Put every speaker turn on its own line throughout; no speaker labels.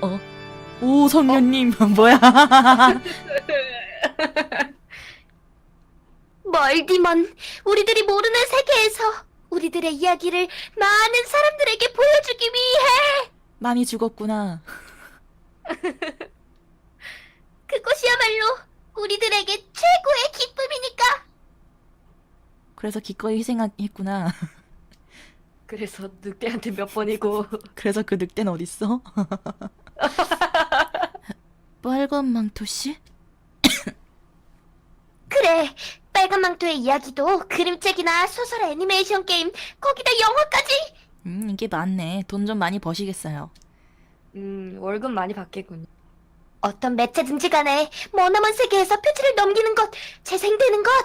오, 성녀님, 뭐야?
멀디먼, 우리들이 모르는 세계에서 우리들의 이야기를 많은 사람들에게 보여주기 위해
많이 죽었구나.
그것이야말로 우리들에게 최고의 기쁨이니까.
그래서 기꺼이 희생했구나.
그래서 늑대한테 몇 번이고.
그래서 그 늑대는 어딨어? 빨간 망토씨?
그래, 빨간 망토의 이야기도 그림책이나 소설, 애니메이션 게임, 거기다 영화까지.
이게 많네. 돈 좀 많이 버시겠어요.
월급 많이 받겠군요.
어떤 매체든지 간에 머나먼 세계에서 표지를 넘기는 것, 재생되는 것.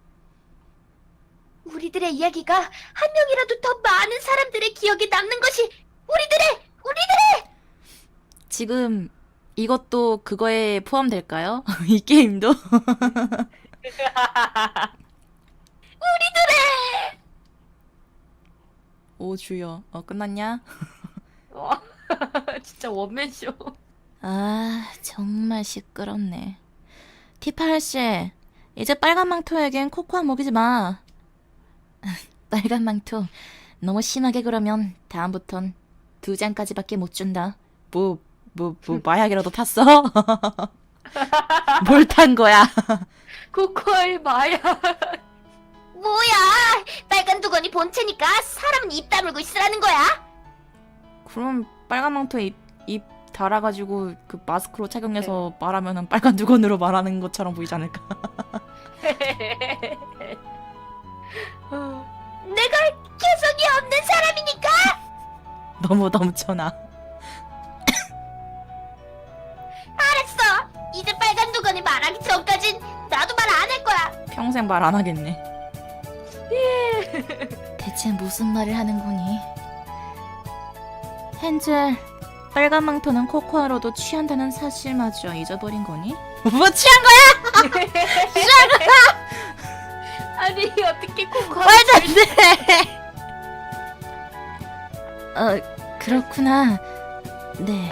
우리들의 이야기가 한 명이라도 더 많은 사람들의 기억에 남는 것이 우리들의!
지금 이것도 그거에 포함될까요? 이 게임도? 오, 주여. 끝났냐?
와, 진짜 원맨쇼.
아, 정말 시끄럽네. 티파할씨, 이제 빨간 망토에겐 코코아 먹이지 마. 빨간 망토, 너무 심하게 그러면 다음부턴 2잔까지밖에 못 준다. 마약이라도 탔어? 뭘 탄 거야?
코코아의 마약.
뭐야, 빨간 두건이 본체니까 사람은 입 다물고 있으라는 거야?
그럼 빨간 망토에 입 달아가지고 그 마스크로 착용해서 말하면은 빨간 두건으로 말하는 것처럼 보이지 않을까?
내가 개성이 없는 사람이니까.
너무 넘쳐나.
알았어, 이제 빨간 두건이 말하기 전까진 나도 말 안 할 거야.
평생 말 안 하겠네. 대체 무슨 말을 하는 거니? 헨젤, 빨간 망토는 코코아로도 취한다는 사실마저 잊어버린 거니? 뭐 취한 거야?
아니, 어떻게 코코아.
말도 안 돼! 그렇구나. 네.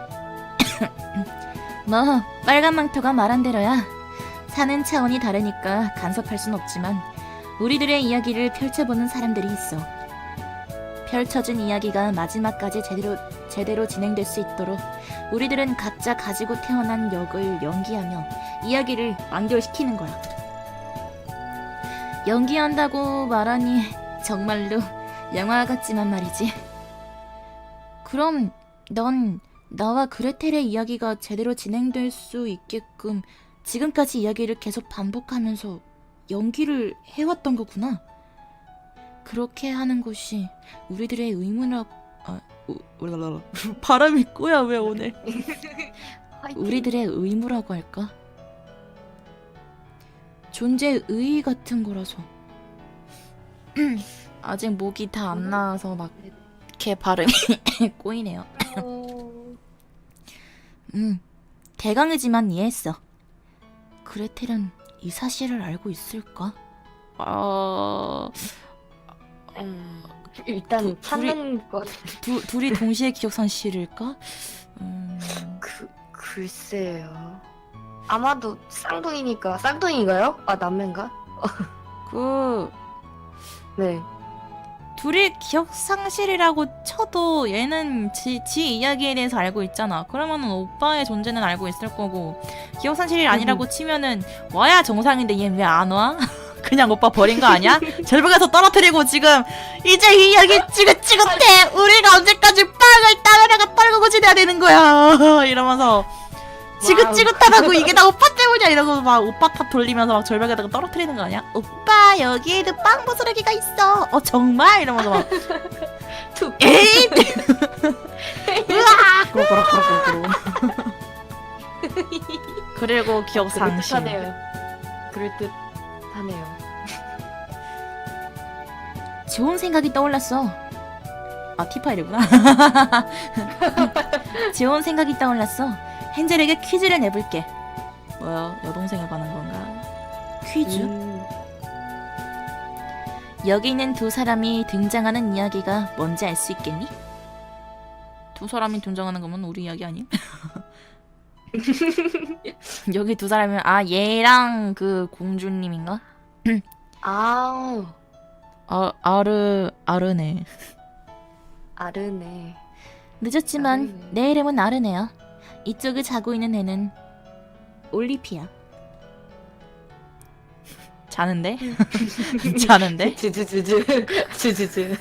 뭐, 빨간 망토가 말한 대로야. 사는 차원이 다르니까 간섭할 순 없지만 우리들의 이야기를 펼쳐보는 사람들이 있어. 펼쳐진 이야기가 마지막까지 제대로 진행될 수 있도록 우리들은 각자 가지고 태어난 역을 연기하며 이야기를 완결시키는 거야. 연기한다고 말하니 정말로 영화 같지만 말이지. 그럼 넌 나와 그레텔의 이야기가 제대로 진행될 수 있게끔 지금까지 이야기를 계속 반복하면서 연기를 해왔던 거구나. 그렇게 하는 것이 우리들의 의무라고... 발음이 꼬야 왜 오늘. 우리들의 의무라고 할까? 존재의 의의 같은 거라서. 아직 목이 다 안 나와서 막 이렇게 발음이 꼬이네요. 대강이지만 이해했어. 그레텔은 이 사실을 알고 있을까?
일단 찾는 것.
둘이 동시에 기억 상실일까?
글쎄요. 아마도 쌍둥이니까. 쌍둥이인가요? 아, 남매인가? 네.
둘이 기억 상실이라고 쳐도 얘는 지 이야기에 대해서 알고 있잖아. 그러면은 오빠의 존재는 알고 있을 거고, 기억 상실이 아니라고 치면은 와야 정상인데 얘는 왜 안 와? 그냥 오빠 버린 거 아니야? 절벽에서 떨어뜨리고 지금 이제 이 이야기 찌긋찌긋해. 우리가 언제까지 빵을 따르다가 떨구고 지내야 되는 거야. 이러면서 지긋지긋하다고 이게 다 오빠 때문이야 이러고 막 오빠 탑 돌리면서 막 절벽에다가 떨어뜨리는 거 아니야? 오빠 여기에도 빵 부스러기가 있어. 정말? 이러면서 막 에이! 으악! 그러고 그리고 기억 상실.
그럴듯하네요.
좋은 생각이 떠올랐어. 티파이르구나. 좋은 생각이 떠올랐어. 헨젤에게 퀴즈를 내볼게. 뭐야, 여동생에 관한 건가? 퀴즈? 여기 있는 두 사람이 등장하는 이야기가 뭔지 알 수 있겠니? 두 사람이 등장하는 거면 우리 이야기 아님? 여기 두 사람이면 아 얘랑 그 공주님인가?
아,
아르네.
아르네.
늦었지만
아르네.
내 이름은 아르네야. 이쪽에 자고 있는 애는 올리피아. 자는데? 자는데?
주주주.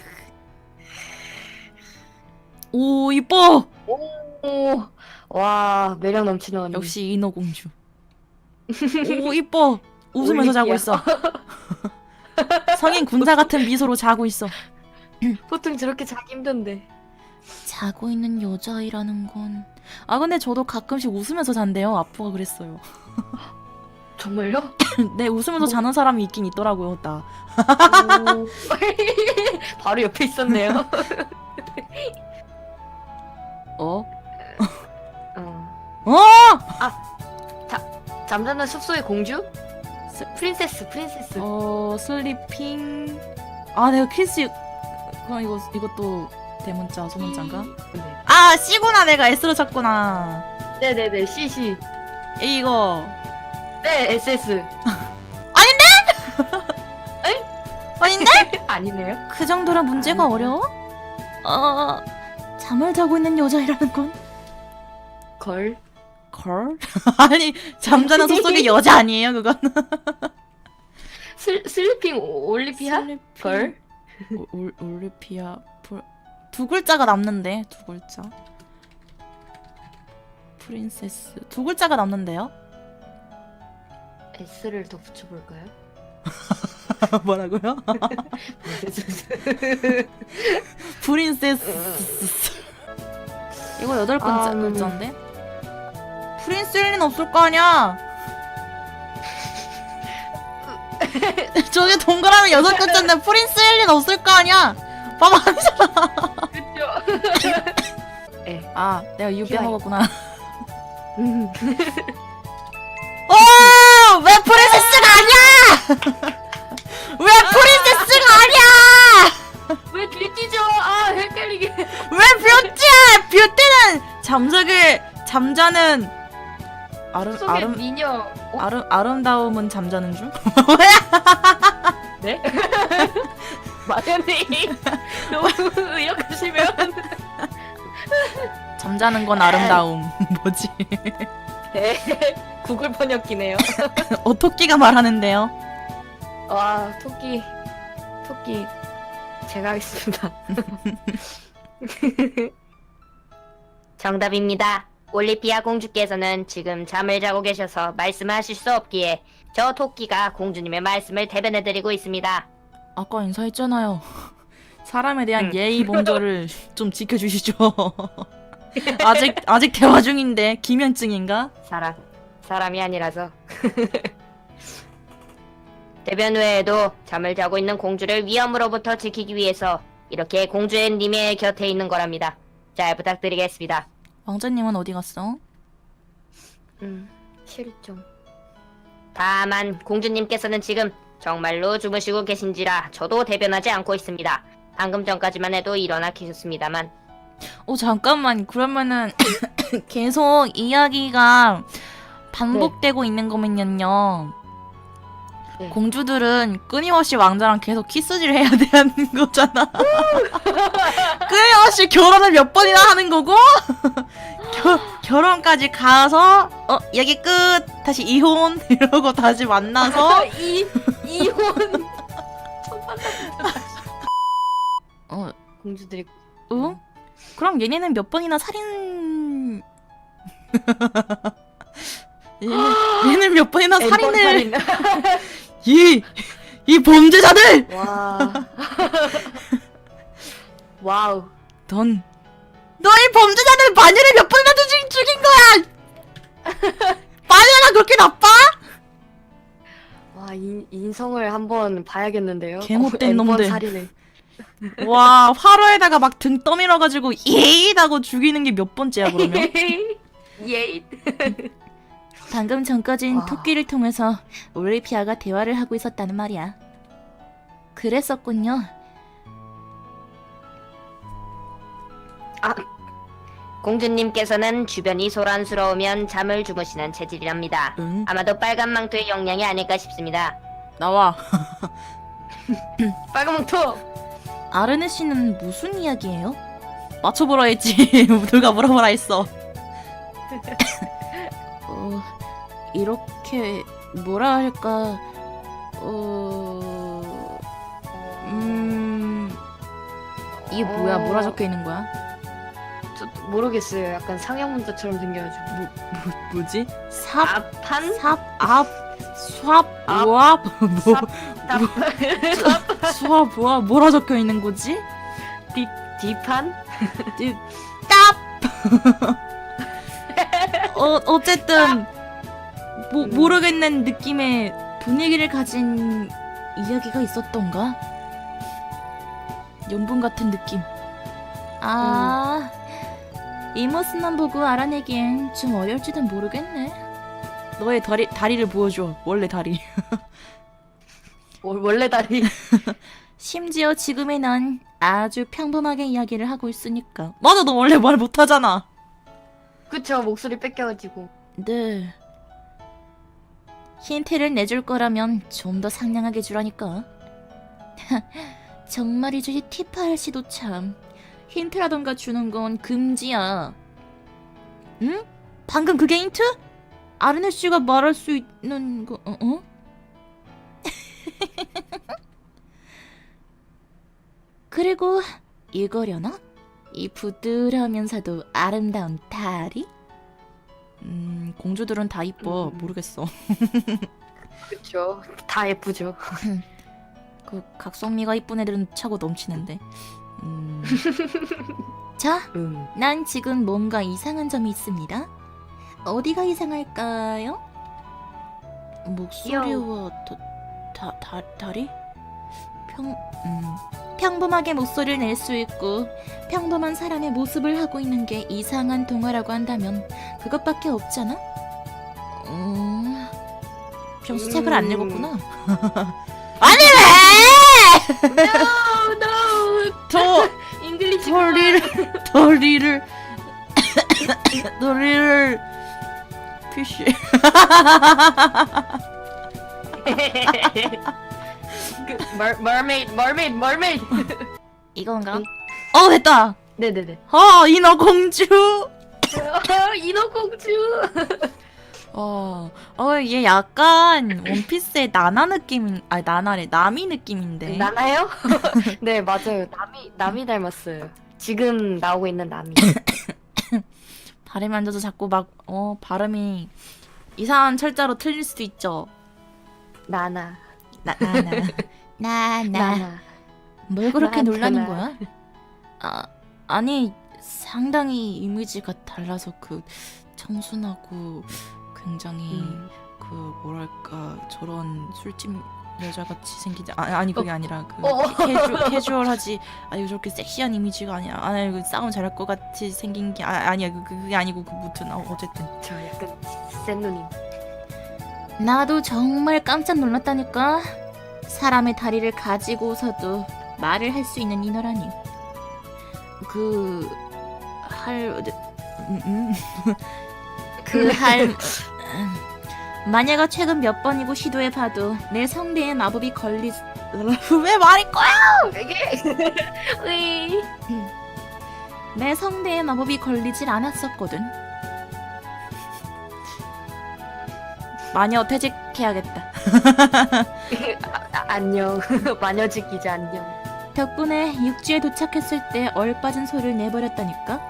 오 이뻐!
오, 와, 매력 넘치는 언니.
역시 인어공주. 오 이뻐! 웃으면서 자고
올리피아.
있어. 성인 군사 같은 미소로 자고 있어.
보통 저렇게 자기 힘든데.
자고 있는 여자아이라는 건... 아 근데 저도 가끔씩 웃으면서 잔대요. 아빠가 그랬어요.
정말요?
네 웃으면서 자는 사람이 있긴 있더라고요. 나.
오. 바로 옆에 있었네요.
어?
어.
어!
잠자는 숲속의 공주? 프린세스.
슬리핑... 아 내가 키스... 그럼 이것도 대문자 소문자인가?
네.
아 C구나. 내가 S로 쳤구나.
네네네, CC.
이거...
네, SS.
아닌데?
아니네요.
그 정도라 문제가
아닌데?
어려워? 잠을 자고 있는 여자이라는 건?
걸.
걸? 아니 잠자는 숲속의 여자 아니에요 그건?
슬리핑 올리피아? 걸?
올리피아 두 글자가 남는데 두 글자 프린세스 두 글자가 남는데요?
S를 더 붙여볼까요?
뭐라고요? 프린세스 이거 8글자 글자인데? 프린스일 린 없을 거 아니야? 저게 동그라미 6글자인데 프린스일 린 없을 거 아니야? 봐봐.
그쵸.
아 내가 이유
귀여워.
빼먹었구나. 왜 프린세스가 아니야? 왜 프린세스가 아니야?
왜 뷰티죠? 아, 헷갈리게.
왜 뷰티야? 뷰티는 잠자는
속의 미녀.
아름다움은 잠자는 중?
네? 마연이 너무 의역하시면
잠자는 건 아름다움. 뭐지?
네. 구글 번역기네요.
토끼가 말하는데요.
와, 토끼 제가 하겠습니다.
정답입니다. 올리피아 공주께서는 지금 잠을 자고 계셔서 말씀하실 수 없기에 저 토끼가 공주님의 말씀을 대변해드리고 있습니다.
아까 인사했잖아요. 사람에 대한 예의 범절을 좀 지켜주시죠. 아직 대화 중인데 기면증인가?
사람이 아니라서. 대변 외에도 잠을 자고 있는 공주를 위험으로부터 지키기 위해서 이렇게 공주님의 곁에 있는 거랍니다. 잘 부탁드리겠습니다.
왕자님은 어디 갔어?
실종.
다만 공주님께서는 지금 정말로 주무시고 계신지라 저도 대변하지 않고 있습니다. 방금 전까지만 해도 일어나 계셨습니다만.
잠깐만. 그러면은 계속 이야기가 반복되고 있는 거면요.
네.
공주들은 끊임없이 왕자랑 계속 키스질 해야 되는 거잖아. 끊임없이 결혼을 몇 번이나 하는 거고 결혼까지 가서 얘기 끝 다시 이혼 이러고 다시 만나서
이혼.
공주들이
응? 그럼 얘네는 몇 번이나 살인 얘는 몇 번이나 살인을 이 범죄자들!
와. 와우.
너희 범죄자들 마녀를 몇 번이나 죽인 거야! 마녀가 그렇게 나빠?
와, 인성을 한번 봐야겠는데요.
개못된
N번
놈들.
살인을.
와, 화로에다가 막 등 떠밀어가지고 예잇 하고 죽이는 게 몇 번째야 그러면?
예이.
방금 전까진
와.
토끼를 통해서 올리피아가 대화를 하고 있었다는 말이야. 그랬었군요.
공주님께서는 주변이 소란스러우면 잠을 주무시는 체질이랍니다.
응?
아마도 빨간 망토의 영향이 아닐까 싶습니다.
나와.
빨간 망토.
아르네 씨는 무슨 이야기예요? 맞춰보라 했지. 누가 물어보라 했어. 이렇게 뭐라 할까? 이게 뭐야? 뭐라 적혀 있는 거야?
저 모르겠어요. 약간 상형 문자처럼 생겨가지고.
뭐지? 삽,
앞판?
삽, 앞, 수압,
앞,
우압, 뭐,
답.
수압, 우압, 뭐라 적혀 있는 거지?
뒤판?
깝! 어쨌든 모르겠는 느낌의 분위기를 가진 이야기가 있었던가? 연분 같은 느낌. 아, 이 모습만 보고 알아내기엔 좀 어려울지도 모르겠네. 너의 다리를 보여줘. 원래 다리.
원래 다리.
심지어 지금의 난 아주 평범하게 이야기를 하고 있으니까. 맞아, 너 원래 말 못하잖아.
그쵸, 목소리 뺏겨가지고.
네. 힌트를 내줄 거라면 좀 더 상냥하게 주라니까. 정말이죠, 이 티파 아저씨도 참. 힌트라던가 주는 건 금지야. 응? 방금 그게 힌트? 아르네 씨가 말할 수 있는 거, 어? 그리고 이거려나? 이 부드러우면서도 아름다운 다리? 공주들은 다 이뻐. 모르겠어.
그쵸. 다 예쁘죠.
그 각성미가 이쁜 애들은 차고 넘치는데. 자, 난 지금 뭔가 이상한 점이 있습니다. 어디가 이상할까요? 목소리와 다리? 평범하게 목소리를 낼 수 있고 평범한 사람의 모습을 하고 있는 게 이상한 동화라고 한다면 그것밖에 없잖아? 병수책을 안 읽었구나. 아니래!
No. 잉글리시.
도리를 피쉬.
mermaid.
이건가? 됐다.
네네네.
인어공주.
인어공주.
얘 약간 원피스의 나나 느낌, 아니 나나래, 나미 느낌인데.
나나요? 네, 맞아요. 남이 닮았어요. 지금 나오고 있는 남이.
발에 만져서 자꾸 발음이 이상한 철자로 틀릴 수도 있죠.
나나.
나나. 뭘 그렇게
나한테
놀라는
나.
거야? 아니 상당히 이미지가 달라서 그 청순하고 굉장히 그 뭐랄까 저런 술집 여자같이 생기지 아니 그게 아니라 그 캐주얼하지 아니 저렇게 섹시한 이미지가 아니야 아니 그 싸움 잘할 것 같이 생긴 게 아니야 그게 아니고 그 무튼 어쨌든
저 약간 센 누님.
나도 정말 깜짝 놀랐다니까. 사람의 다리를 가지고서도 말을 할 수 있는 인어라니. 마녀가 최근 몇 번이고 시도해봐도 내 성대에 마법이 왜 말일 거야?
이게
내 성대에 마법이 걸리질 않았었거든. 마녀 퇴직해야겠다.
안녕. 마녀직 기자 안녕.
덕분에 육지에 도착했을 때 얼빠진 소리를 내버렸다니까.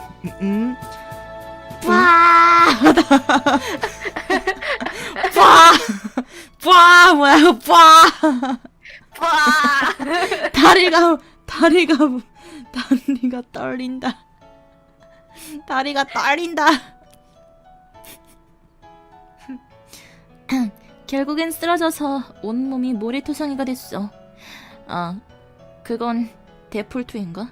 빠 뭐야 빠 다리가 떨린다. 다리가 떨린다. 결국엔 쓰러져서 온몸이 모래토성이가 됐어. 그건 데폴트인가?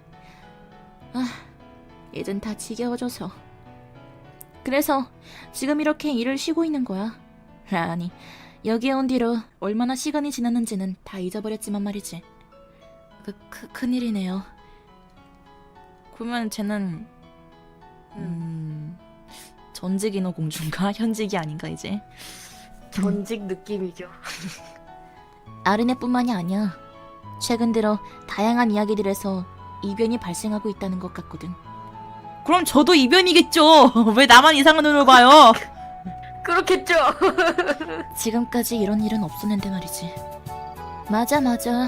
이젠 다 지겨워져서. 그래서 지금 이렇게 일을 쉬고 있는 거야. 아니, 여기에 온 뒤로 얼마나 시간이 지났는지는 다 잊어버렸지만 말이지. 큰일이네요. 그러면 쟤는 전직인어 공주인가? 현직이 아닌가 이제?
전직 느낌이죠.
아르네뿐만이 아니야. 최근 들어 다양한 이야기들에서 이변이 발생하고 있다는 것 같거든. 그럼 저도 이변이겠죠. 왜 나만 이상한 눈으로 봐요?
그렇겠죠.
지금까지 이런 일은 없었는데 말이지. 맞아.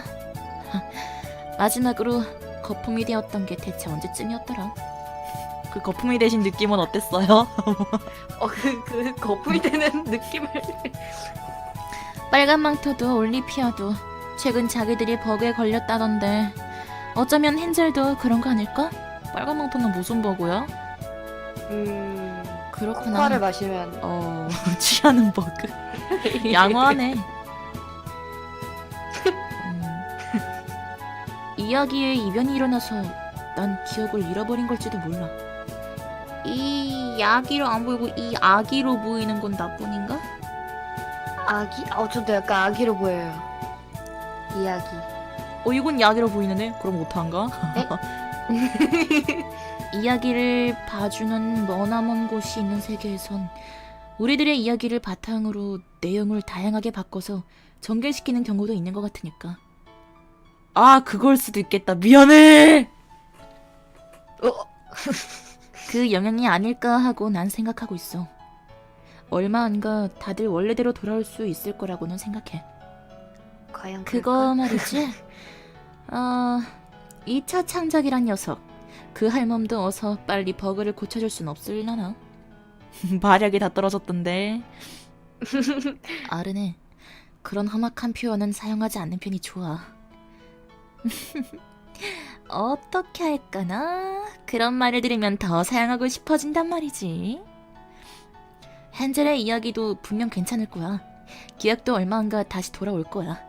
마지막으로 거품이 되었던 게 대체 언제쯤이었더라? 그 거품이 되신 느낌은 어땠어요?
그 거품이 되는 느낌을.
빨간 망토도 올리피아도 최근 자기들이 버그에 걸렸다던데 어쩌면 헨젤도 그런 거 아닐까? 빨간 망토는 무슨 버그야? 그렇구나.
코카를 마시면
취하는 버그. 양호하네. 이야기에 이변이 일어나서 난 기억을 잃어버린 걸지도 몰라. 이 야기로 안 보이고 이 아기로 보이는 건 나뿐인가?
아기? 저도 약간 아기로 보여요. 이야기.
이건 야기로 보이는데? 그럼 못한가? 이야기를 봐주는 머나먼 곳이 있는 세계에선 우리들의 이야기를 바탕으로 내용을 다양하게 바꿔서 전개시키는 경우도 있는 것 같으니까. 그걸 수도 있겠다. 미안해! 그 영향이 아닐까 하고 난 생각하고 있어. 얼마 안가 다들 원래대로 돌아올 수 있을 거라고는 생각해.
과연
그거 말이지? 2차 창작이란 녀석. 그 할멈도 어서 빨리 버그를 고쳐줄 순 없을라나? 마력이 다 떨어졌던데. 아르네, 그런 험악한 표현은 사용하지 않는 편이 좋아. 어떻게 할까나? 그런 말을 들으면 더 사용하고 싶어진단 말이지. 헨젤의 이야기도 분명 괜찮을 거야. 기억도 얼마 안가 다시 돌아올 거야.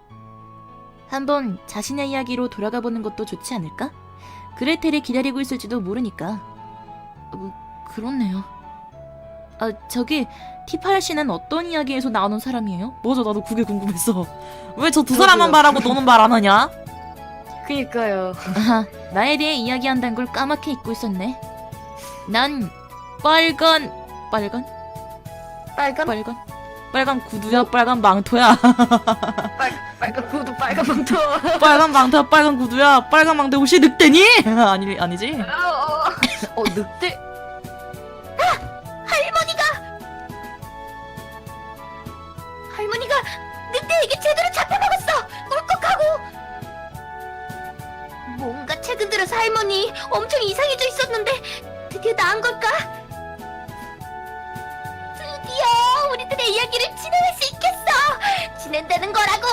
한번 자신의 이야기로 돌아가 보는 것도 좋지 않을까? 그레텔이 기다리고 있을지도 모르니까. 그렇네요. 저기 티파엘 씨는 어떤 이야기에서 나오는 사람이에요? 맞아, 나도 그게 궁금했어. 왜 저 두 사람만 말하고 너는 말 안 하냐?
그니까요.
나에 대해 이야기한다는 걸 까맣게 잊고 있었네. 난 빨간 구두야, 빨간 망토야.
빨간 구두, 빨간 망토.
빨간 망토야, 빨간 구두야, 빨간 망토. 혹시 늑대니? 아니지.
늑대.
할머니가 늑대에게 제대로 잡혀먹었어. 꿀꺽하고. 뭔가 최근 들어서 할머니 엄청 이상해져 있었는데 드디어 나은 걸까? 드디어 우리들의 이야기를 진행할 수 있겠어. 진행되는 거라고.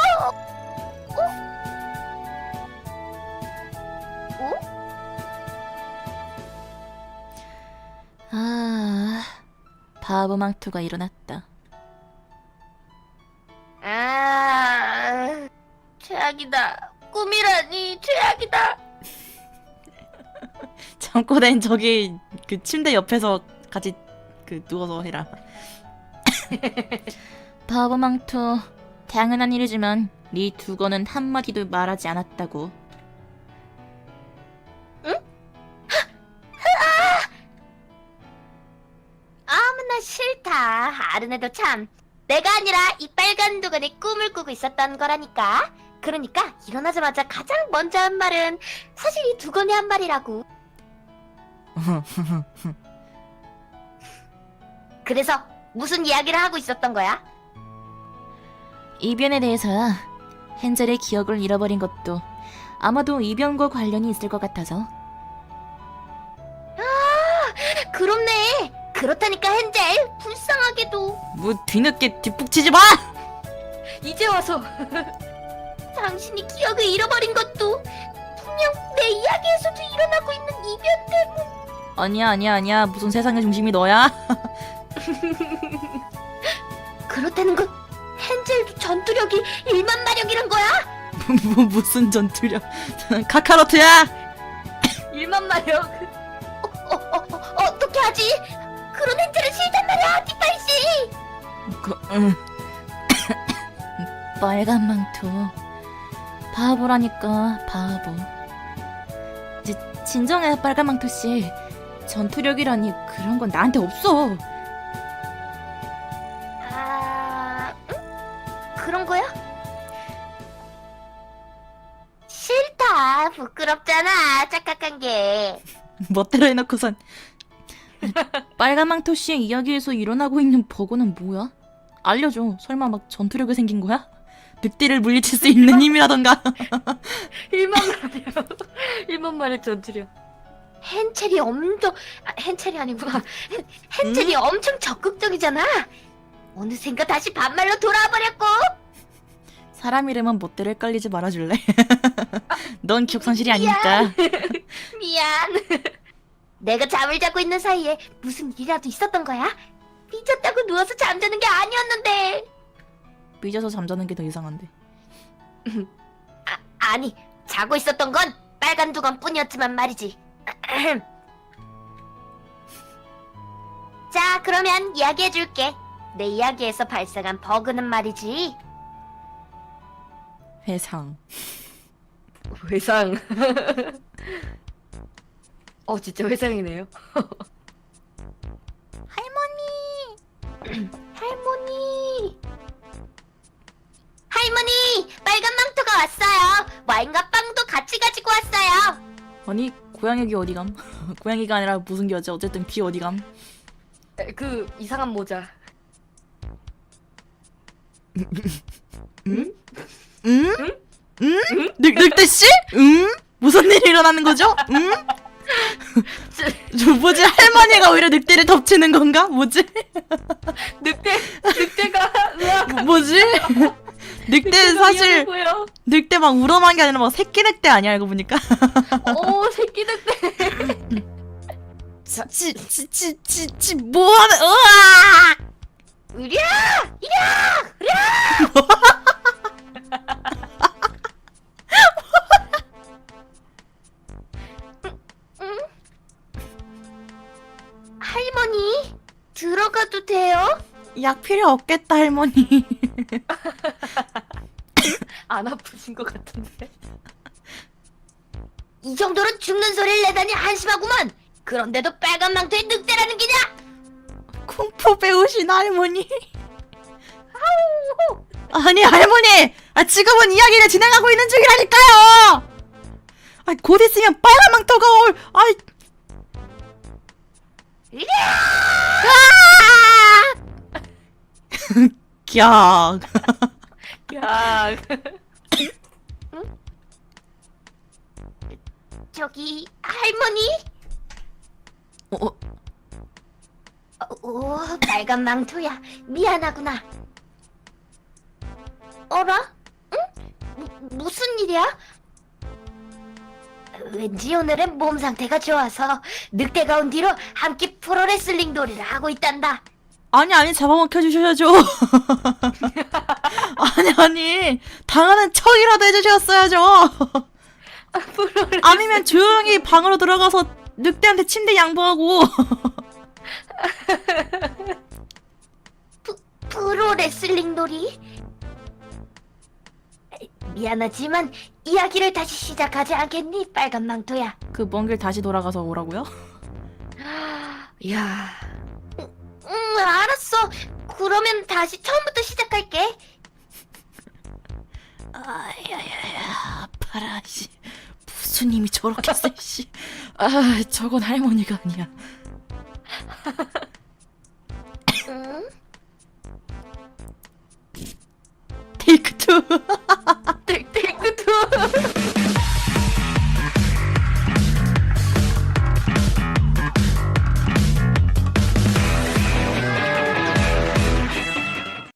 바보 망토가 일어났다.
최악이다. 꿈이라니 최악이다.
잠꼬된 저기 그 침대 옆에서 같이 누워서 해라. 바보 망토, 당연한 일이지만 네 두거는 한마디도 말하지 않았다고.
응? 아무나 싫다. 아르네도 참. 내가 아니라 이 빨간 두건이 꿈을 꾸고 있었던 거라니까. 그러니까 일어나자마자 가장 먼저 한 말은 사실 이 두건이 한 말이라고. 그래서 무슨 이야기를 하고 있었던 거야?
이변에 대해서야. 헨젤의 기억을 잃어버린 것도 아마도 이변과 관련이 있을 것 같아서.
그렇네. 그렇다니까 헨젤. 불쌍하게도.
뭐 뒤늦게 뒷북치지 마!
이제 와서.
당신이 기억을 잃어버린 것도 분명 내 이야기에서도 일어나고 있는 이변 때문.
아니야. 무슨 세상의 중심이 너야?
그렇다는 건 헨젤도 전투력이 1만 마력이란 거야?
무슨 전투력? 카카로트야!
1만 마력.
어떻게 하지? 그런 헨젤은 싫단 말이야, 티파이씨.
빨간 망토. 바보라니까, 바보. 진정해, 빨간 망토씨. 전투력이라니 그런 건 나한테 없어.
그런 거야? 싫다. 부끄럽잖아. 짝짝한 게.
멋대로 해놓고선. 빨간 망토 씨의 이야기에서 일어나고 있는 버거는 뭐야? 알려줘. 설마 막 전투력이 생긴 거야? 늑대를 물리칠 수 있는 힘이라던가.
1만 말이요. 1만 말의 전투력.
헨첼이 엄청 헨첼이 아니구나. 헨첼이 엄청 적극적이잖아. 어느샌가 다시 반말로 돌아와 버렸고.
사람 이름은 멋대로 헷갈리지 말아줄래? 넌 기억상실이 아니니까.
미안. 내가 잠을 자고 있는 사이에 무슨 일이라도 있었던 거야? 삐졌다고 누워서 잠자는 게 아니었는데.
삐져서 잠자는 게 더 이상한데.
아니, 자고 있었던 건 빨간 두건뿐이었지만 말이지. 자, 그러면 이야기해줄게. 내 이야기에서 발생한 버그는 말이지.
회상.
회상. 진짜 회상이네요.
할머니, 빨간 망토가 왔어요. 와인과 빵도 같이 가지고 왔어요.
아니 고양이 귀 어디감? 고양이가 아니라 무슨 귀였지? 어쨌든 귀 어디감?
그 이상한 모자.
응? 응? 늑대 씨? 응? 무슨 일이 일어나는 거죠? 응? 저 뭐지? 할머니가 오히려 늑대를 덮치는 건가? 뭐지?
늑대가 으악.
뭐지? 늑대 사실
미안하고요.
늑대 막 우러난 게 아니라 막 새끼 늑대 아니야 알고 보니까.
오 새끼 늑대.
찌 뭐하는? 으아!
으랴! 할머니, 들어가도 돼요?
약 필요 없겠다 할머니.
안 아프신 것 같은데.
이 정도로 죽는 소리를 내다니 한심하구만. 그런데도 빨간 망토에 늑대라는 게냐?
쿵푸 배우신 할머니. 아니 할머니, 지금은 이야기를 진행하고 있는 중이라니까요. 곧 있으면 빨간 망토가 올.
으랴!
꺄.
야.
저기 할머니? 오, 빨간 망토야. 미안하구나. 어라? 응? 무슨 일이야? 왠지 오늘은 몸 상태가 좋아서 늑대가 온 뒤로 함께 프로레슬링 놀이를 하고 있단다.
아니 잡아먹혀 주셔야죠. 아니 당하는 척이라도 해주셨어야죠. 아니면 조용히 방으로 들어가서 늑대한테 침대 양보하고.
프로레슬링 놀이? 미안하지만 이야기를 다시 시작하지 않겠니, 빨간 망토야?
그 먼 길 다시 돌아가서 오라고요?
야.
알았어. 그러면 다시 처음부터 시작할게.
아야야야 아파라 씨. 무슨 힘이 저렇게 세 씨. 저건 할머니가 아니야.
응?
테이크 투.